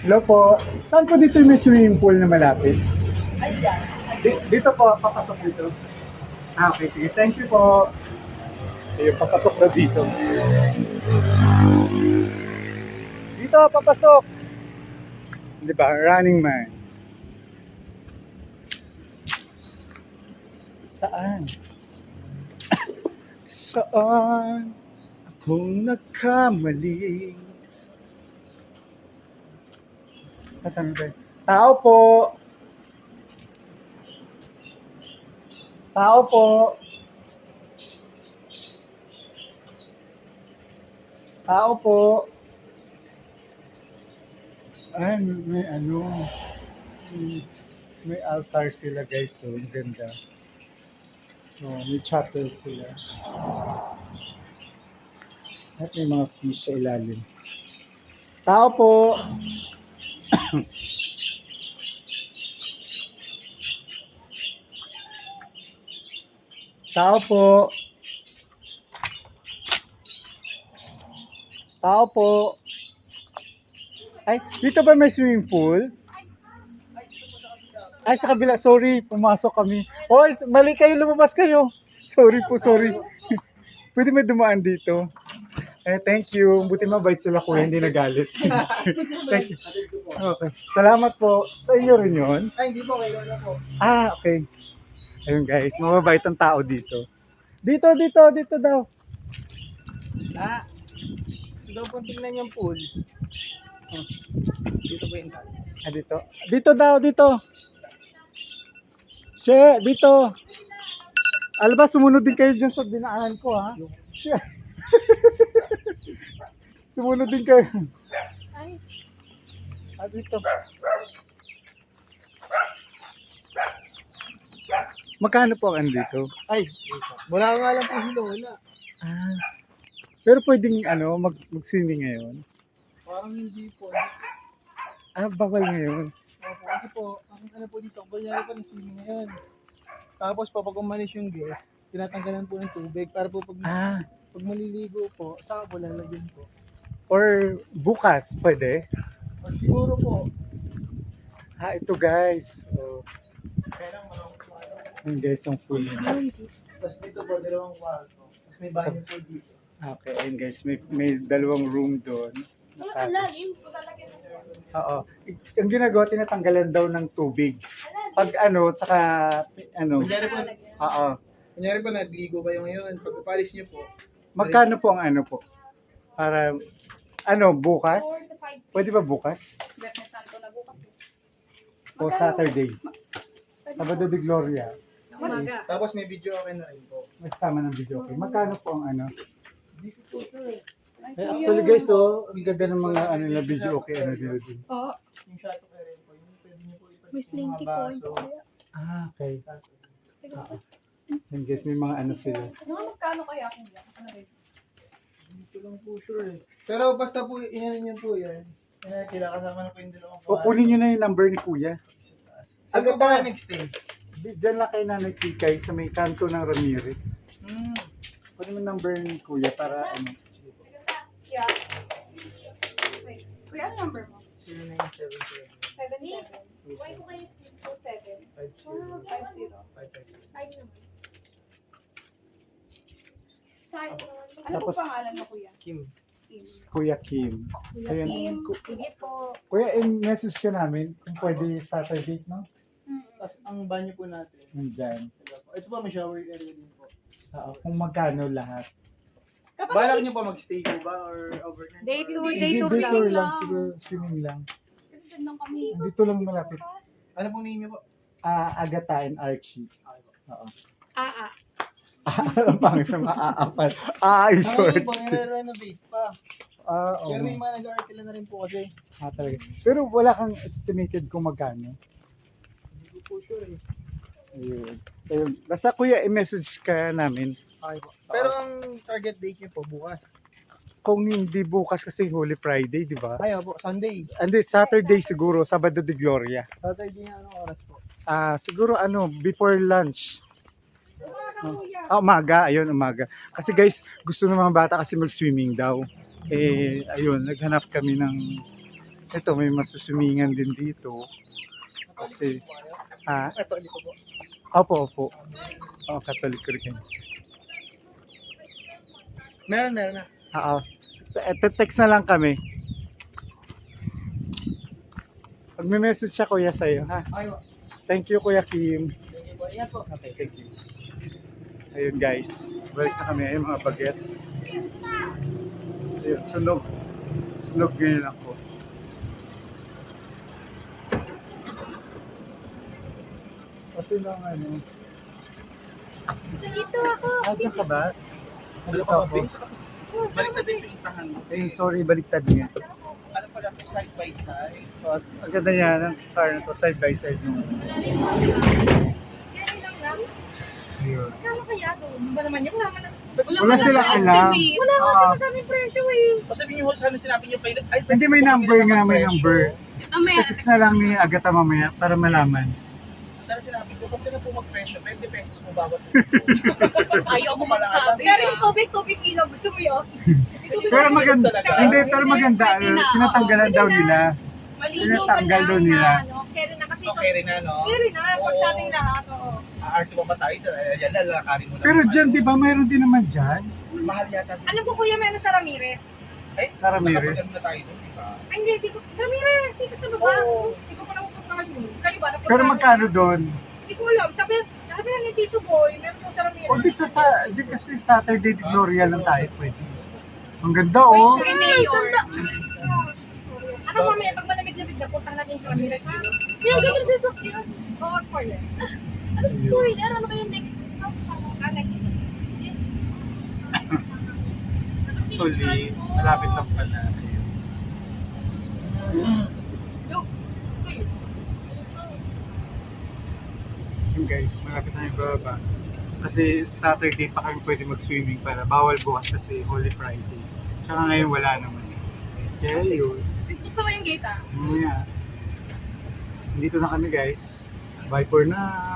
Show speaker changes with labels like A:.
A: Hello po. Saan po dito may swimming pool na malapit? Dito po, papasok dito. Okay, sige. Thank you po. Ayun, papasok na dito. Dito, papasok. Di ba? Running man. Saan? Saan akong nagkamali? Tao po. Tao po. Tao po. Ay, may ano. May altar sila guys. So, ang ganda. Oh, may chapel sila. At may mga fish sa ilalim. Tao po. Tao po. Tao po. Ay, dito ba may swimming pool? Ay, sa kabila. Sorry, pumasok kami. Hoy, mali kayo, lumabas kayo. Sorry po, sorry. Pwede may dumaan dito. Eh, thank you. Buti mabait sila kuya, hindi nagalit. Thank you. Okay. Salamat po. Sa inyo rin yun?
B: Ay, hindi po, kayo na po.
A: Ah, okay. Ayun guys, mababait ang tao dito. Dito daw.
B: Ah, daw po tingnan yung pool. Oh, dito po yung tali.
A: Ah, dito. Dito. Che, dito. Alam ba, sumunod din kayo dyan sa dinaanan ko, ha? Sumunod din kayo. Ah, dito. Magkano po ang dito?
B: Ay, wala nga lang po sila, wala.
A: Ah, pero pwedeng mag-swimming ngayon.
B: Parang hindi po.
A: Ah, bawal ngayon.
B: Kasi po, ang ano po dito, kunyari pa ng swimming ngayon. Tapos po, pag umalis yung guest, tinatanggalan po ng tubig para po pag maliligo po, saka po lalagyan po.
A: Or bukas, pwede?
B: O siguro po,
A: Ah, ito guys. So,
B: kaya lang marami po ano.
A: yun guys, ang pool nila.
B: Tapos dito po, dalawang kwarto. Tapos may banyo po dito.
A: Okay, ayun guys, may dalawang room doon. Oo. Ang ginagawa, tinatanggalan daw ng tubig. Pag tsaka,
B: Kunyari po,
A: oo.
B: kunyari po, nagligo kayo ngayon. Pag palis niyo po,
A: Magkano po ang po? Para, bukas? Pwede ba bukas? O Saturday? Sabado de Gloria.
B: tapos may video okay na rin po.
A: May kasama ng video. Okay. Magkano po ang
B: Dito po, sir.
A: actually guys, ang ganda ng mga na video okay, nila din.
C: Oo.
B: Yung shot ko rin po, yung pwede niyo po ipalit
C: May
B: yung
C: slinky
B: mga
C: point
B: baso.
C: kaya.
A: Ah, okay. Yan guys, may mga sila.
C: Mga magkano kaya kung yan? Ano rin?
B: Dito lang po, sure eh. Pero basta po, inanin niyo po yan. Kailangan kasama na po yung dalawang
A: Kukunin nyo na yung number ni Kuya.
B: Ano ba next day?
A: Diyan lang kay Nanay Kikay sa may kanto ng Ramirez.
B: Hmm.
A: Kunin mo yung number ni Kuya para
C: Yeah. Wait. Kuya, ano number mo?
B: 0977
C: 77. Why ko kayo 7? 50. 5 naman. Ano
A: Tapos-
C: po pangalan mo, kuya?
B: Kim.
C: Kim.
A: Kuya Kim.
C: Kuya
A: Ayun.
C: Kim. Sige po.
A: Kuya, message ka namin kung pwede Saturday, no?
B: Tapos ang banyo po natin.
A: Nandyan.
B: Ito po, may shower area din po.
A: Oo, kung magkano lahat.
B: Balak niyo po mag-stay po ba or overnight?
C: Day tour,
B: Or-
C: day tour
A: Day tour lang.
C: lang.
A: Siguro swimming lang.
C: Kasi dyan lang kami.
A: Dito lang malapit.
B: Ano pong name niyo po?
A: Agatha and Archie. Oo.
C: Ah.
A: Ang pangit na maaapat.
B: Ay,
A: Short.
B: pang i-renovate pa.
A: Oo.
B: Pero may mga nag-artila na rin po kasi.
A: Talaga. Pero wala kang estimated kung magkano.
B: Hindi ko po sure eh.
A: Ayun. Basta kuya, i-message ka namin.
B: Okay po. Pero ang target date niyo po bukas.
A: Kung hindi bukas kasi Holy Friday, di ba?
B: Ay, po, Sunday.
A: Hindi, Saturday siguro, Sabado de Gloria.
B: Saturday na anong oras po?
A: Siguro before lunch. Umaga, ayun, umaga. Kasi guys, gusto ng mga bata kasi mag-swimming daw. Ayun, naghanap kami ng Ito, may masusumingan din dito. Kasi,
B: Ito, dito po.
A: opo. Catholic rin.
B: Meron na.
A: Oo. Text na lang kami. Pag may message siya, kuya, sa'yo, ha?
B: Okay po.
A: Thank you, Kuya Kim.
B: Sige po. Ingat po.
A: Okay, thank you. Ayun, guys. Balik na kami. Ayun, mga bagets. Ayun, sunog. Sunog ngayon ako. Kasi lang, ano.
C: Dito ako.
A: Diyan ka ba? Dito
B: pa,
A: ako.
B: Baliktad din yung itahan mo.
A: Eh, sorry, baliktad niya.
B: Ano pala ito, side by side?
A: So, ang ganda niya ng car na to, side by side nung.
C: Yan lang lang.
A: Ayun.
C: Kama kaya doon? Di ba naman yun?
A: Wala silang alam.
C: Wala nga
A: Oo.
C: sinasabing presyo eh.
B: O sabi niyo, sana sinabi niyo, ay,
A: Hindi, may number nga, may number.
C: Ito may
A: Text na lang ni Agata mamaya para malaman.
B: Sana sinabi ko, kung na po mag-presyo, 20 pesos mo bawat
C: Ayaw mo magsabi. Pero yung tubig ilaw, gusto mo yun?
A: Pero maganda, hindi, pero maganda, tinatanggalan daw nila.
C: Malino
A: Tinatanggal daw nila.
C: Carry na kasi.
B: Okay rin na, no?
C: Carry na, for sa ating lahat. Oo.
B: Aarte mo ba tayo? Ayan, lalakarin mo na.
A: Pero dyan, di ba, mayroon din naman dyan?
B: Mahal yata.
C: Alam ko kuya, meron sa Ramirez.
B: Ay,
A: Sa Ramirez.
B: nakapag-ano na tayo doon, di ba?
C: Ay, hindi ko. Ramirez, dito sa baba.
B: Oo.
C: Hindi ko pa napupuntahan yun. Kayo ba?
A: Pero magkano doon?
C: Hindi ko alam. Sabi na ni Tito Boy, meron po sa Ramirez.
A: O di di kasi Saturday di Gloria lang tayo pwede. Ang ganda oh.
C: Ay, ganda. Ano mamaya, pag malamig-lamig na, puntang natin sa Ramirez. Yan, ganda sa sakyan. Oo, spoiler. Ano spoiler? Ano kayo next stop?
A: Actually, malapit lang pala. Yun guys, malapit na yung baba. Kasi Saturday pa kami pwede mag-swimming para bawal bukas kasi Holy Friday. Tsaka ngayon wala naman. Kaya yun.
C: Gusto mo yung gate ah?
A: Mamaya. Dito na kami guys. Bye for now.